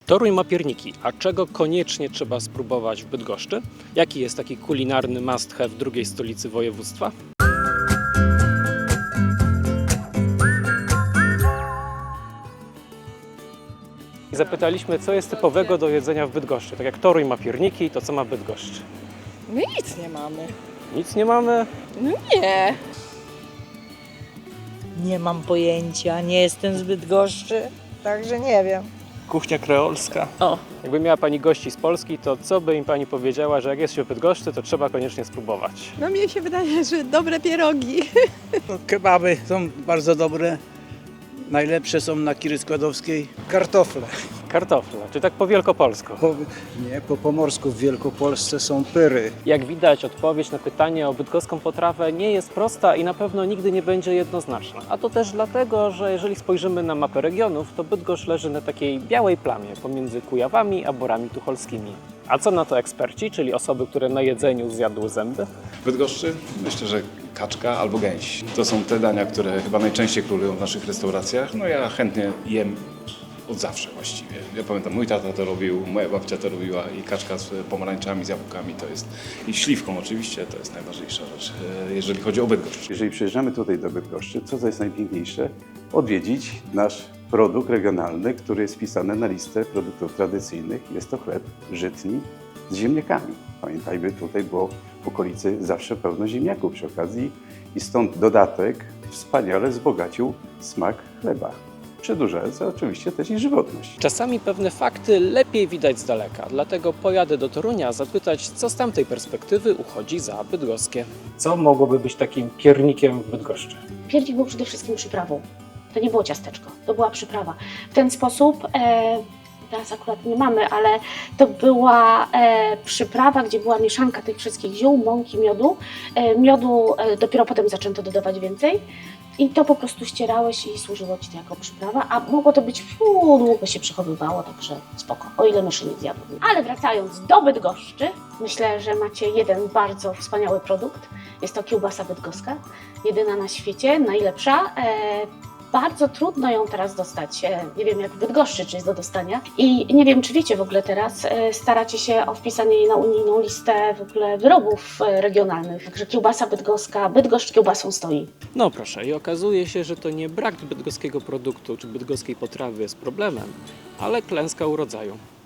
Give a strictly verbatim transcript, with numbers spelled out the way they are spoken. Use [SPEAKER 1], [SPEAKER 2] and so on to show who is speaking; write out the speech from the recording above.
[SPEAKER 1] Toruń ma pierniki, a czego koniecznie trzeba spróbować w Bydgoszczy? Jaki jest taki kulinarny must have drugiej stolicy województwa? Zapytaliśmy, co jest typowego do jedzenia w Bydgoszczy. Tak jak Toruń ma pierniki, to co ma Bydgoszcz?
[SPEAKER 2] My nic nie mamy.
[SPEAKER 1] Nic nie mamy?
[SPEAKER 2] No nie.
[SPEAKER 3] Nie mam pojęcia, nie jestem z Bydgoszczy, także nie wiem.
[SPEAKER 4] Kuchnia kreolska.
[SPEAKER 2] O,
[SPEAKER 1] Jakby miała Pani gości z Polski, to co by im Pani powiedziała, że jak jest się w Bydgoszczy, to trzeba koniecznie spróbować?
[SPEAKER 2] no mnie się wydaje, że dobre pierogi.
[SPEAKER 4] No, kebaby są bardzo dobre. Najlepsze są na Kiry Składowskiej. Kartofle.
[SPEAKER 1] Kartofle, czy tak po wielkopolsku?
[SPEAKER 5] Po, nie, po pomorsku w Wielkopolsce są pyry.
[SPEAKER 1] Jak widać, odpowiedź na pytanie o bydgoską potrawę nie jest prosta i na pewno nigdy nie będzie jednoznaczna. A to też dlatego, że jeżeli spojrzymy na mapę regionów, to Bydgoszcz leży na takiej białej plamie pomiędzy Kujawami a Borami Tucholskimi. A co na to eksperci, czyli osoby, które na jedzeniu zjadły zęby?
[SPEAKER 6] W Bydgoszczy myślę, że kaczka albo gęś. To są te dania, które chyba najczęściej królują w naszych restauracjach. No ja chętnie jem od zawsze właściwie. Ja pamiętam, mój tata to robił, moja babcia to robiła i kaczka z pomarańczami, z jabłkami to jest, i śliwką oczywiście, to jest najważniejsza rzecz, e, jeżeli chodzi o Bydgoszcz.
[SPEAKER 7] Jeżeli przyjeżdżamy tutaj do Bydgoszczy, co to jest najpiękniejsze? Odwiedzić nasz produkt regionalny, który jest wpisany na listę produktów tradycyjnych. Jest to chleb żytni z ziemniakami. Pamiętajmy, tutaj było w okolicy zawsze pełno ziemniaków przy okazji i stąd dodatek wspaniale wzbogacił smak chleba, przedłużając oczywiście też i żywotność.
[SPEAKER 1] Czasami pewne fakty lepiej widać z daleka, dlatego pojadę do Torunia zapytać, co z tamtej perspektywy uchodzi za bydgoskie. Co mogłoby być takim piernikiem w Bydgoszczy?
[SPEAKER 8] Piernik był przede wszystkim przyprawą. To nie było ciasteczko, to była przyprawa. W ten sposób, e, teraz akurat nie mamy, ale to była e, przyprawa, gdzie była mieszanka tych wszystkich ziół, mąki, miodu. E, miodu e, dopiero potem zaczęto dodawać więcej. I to po prostu ścierałeś i służyło Ci to jako przyprawa, a mogło to być, uu, długo się przechowywało, także spoko, o ile myszy nie zjadły. Ale wracając do Bydgoszczy, myślę, że macie jeden bardzo wspaniały produkt. Jest to kiełbasa bydgoska, jedyna na świecie, najlepsza. E, Bardzo trudno ją teraz dostać. E, Nie wiem jak w Bydgoszczy, czy jest do dostania. I nie wiem, czy wiecie w ogóle teraz, e, staracie się o wpisanie jej na unijną listę w ogóle wyrobów e, regionalnych. Także kiełbasa bydgoska, Bydgoszcz kiełbasą stoi.
[SPEAKER 1] No proszę, i okazuje się, że to nie brak bydgoskiego produktu czy bydgoskiej potrawy jest problemem, ale klęska urodzaju.